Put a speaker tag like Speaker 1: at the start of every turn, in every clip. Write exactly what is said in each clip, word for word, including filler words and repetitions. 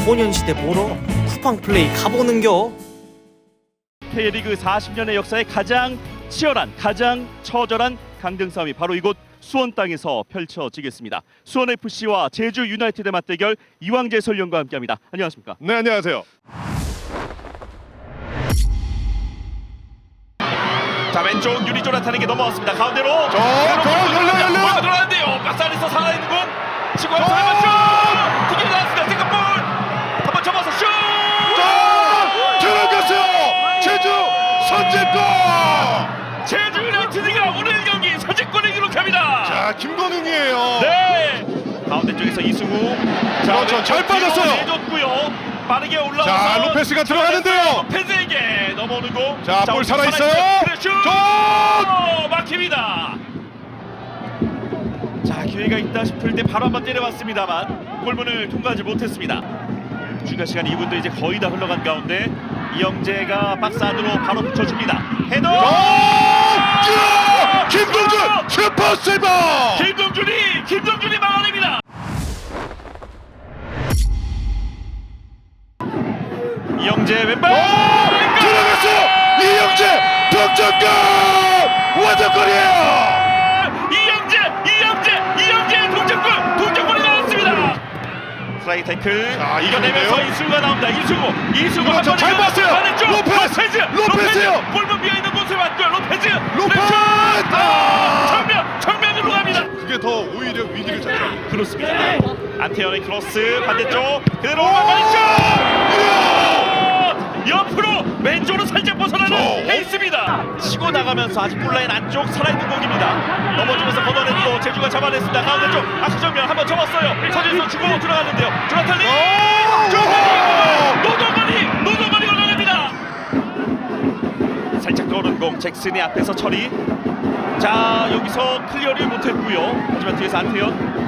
Speaker 1: 소년시대 보러 쿠팡 플레이 가보는겨.
Speaker 2: K리그 사십 년의 역사에 가장 치열한, 가장 처절한 강등 싸움이 바로 이곳 수원 땅에서 펼쳐지겠습니다. 수원에프씨와 제주 유나이티드의 맞대결, 이왕재 해설위원과 함께합니다. 안녕하십니까?
Speaker 3: 네, 안녕하세요.
Speaker 2: 자, 왼쪽 유리 조나탄에게 넘어왔습니다. 가운데로
Speaker 3: 저, 저, 열려, 열려!
Speaker 2: 골 들어가는데요. 박스 안에서 살아있는 공 치고 한 사람 슛! 두개 나왔습니다. 득점볼! 한번 접어서 슛!
Speaker 3: 자, 들어갔어요! 제주 선제골!
Speaker 2: 제주 유나이티드가 오늘 경기 선제골을 기록합니다.
Speaker 3: 자, 김건웅이에요.
Speaker 2: 네. 가운데 쪽에서 이승우. 자,
Speaker 3: 그렇죠. 잘 빠졌어요.
Speaker 2: 내줬고요. 빠르게 올라와서
Speaker 3: 자, 로페스가 들어가는데요.
Speaker 2: 로페스에게 넘어오는 공.
Speaker 3: 자, 볼 살아 있어요.
Speaker 2: 그래, 슛!
Speaker 3: 저!
Speaker 2: 막힙니다. 자, 기회가 있다 싶을 때 바로 한번 때려봤습니다만 골문을 통과하지 못했습니다. 추가 시간 이 분도 이제 거의 다 흘러간 가운데 이영재가 박스 안으로 바로 붙여줍니다. 헤더!
Speaker 3: 자, 김동준 슈퍼 세이버!
Speaker 2: 김동준이 김동준이 막아냅니다. 이영재 왼발
Speaker 3: 들어갔어요. 이영재 동점골! 완전골이에요.
Speaker 2: 이영재 이영재 이영재 동점골 동점골이 나왔습니다. 스트라이크 태클
Speaker 3: 자,
Speaker 2: 이겨내면서
Speaker 3: 이승우인데요.
Speaker 2: 이승우가 나옵니다. 이승우 이승우
Speaker 3: 그렇죠.
Speaker 2: 한
Speaker 3: 잘
Speaker 2: 번에
Speaker 3: 봤어요.
Speaker 2: 반대쪽
Speaker 3: 로페스!
Speaker 2: 로페즈
Speaker 3: 로페즈요.
Speaker 2: 골문 비어 있는 곳에 맞고요. 로페즈
Speaker 3: 로페즈!
Speaker 2: 아, 정면 정면으로 갑니다.
Speaker 3: 그게 더 오히려 위기를 잡죠.
Speaker 2: 그렇습니다. 안태현의 크로스 반대쪽 그대로 반대쪽 옆으로 왼쪽으로 살짝 벗어나는
Speaker 3: 저.
Speaker 2: 페이스입니다. 치고 나가면서 아직 골라인 안쪽 살아있는 공입니다. 넘어지면서 걷어내고 제주가 잡아냈습니다. 가운데 쪽 아크정면 한번 접었어요. 서진수 주고 들어갔는데요. 조나탄리 노동건이 노동건이 걸어냅니다. 살짝 떠오른 공 잭슨이 앞에서 처리. 자, 여기서 클리어를 못했고요. 하지만 뒤에서 안태현.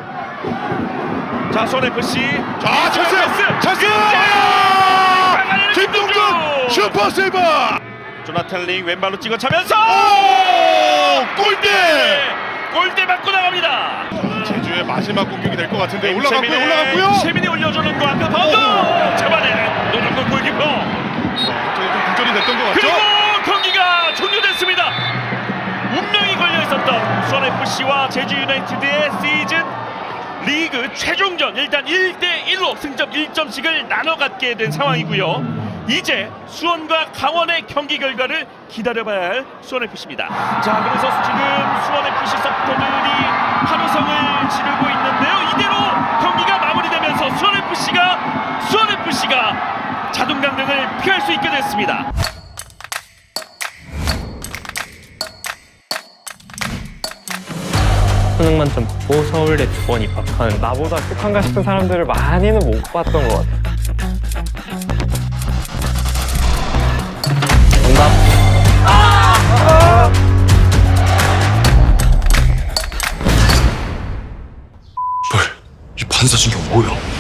Speaker 2: 자, 수원에프씨
Speaker 3: 자, 찬스! 찬스! 김동준 슈퍼 세이버!
Speaker 2: 조나탄 링 왼발로 찍어 차면서
Speaker 3: 오! 골대!
Speaker 2: 골대 맞고 나갑니다.
Speaker 3: 제주의 마지막 공격이 될 것 같은데 올라갔고요, 올라갔고요.
Speaker 2: 최민이 올려주는 거 앞에 바운드 잡아내 노동건 골키퍼.
Speaker 3: 갑자기 좀 구절이 됐던 것
Speaker 2: 그리고
Speaker 3: 같죠?
Speaker 2: 경기가 종료됐습니다. 운명이 걸려 있었던 수원에프씨와 제주 유나이티드의 시즌 리그 최종전, 일단 일 대 일로 승점 일 점씩을 나눠 갖게 된 상황이고요. 이제 수원과 강원의 경기 결과를 기다려봐야 할 수원에프씨입니다. 자, 그래서 지금 수원에프씨 서포터들이 환호성을 지르고 있는데요. 이대로 경기가 마무리되면서 수원에프씨가 수원에프씨가 자동 강등을 피할 수 있게 됐습니다.
Speaker 4: 수능 만점 받고 서울대 두 번 입학한 나보다 똑한가 싶은 사람들을 많이는 못 봤던 것 같아요. 정답.
Speaker 5: 이 반사신경 뭐야?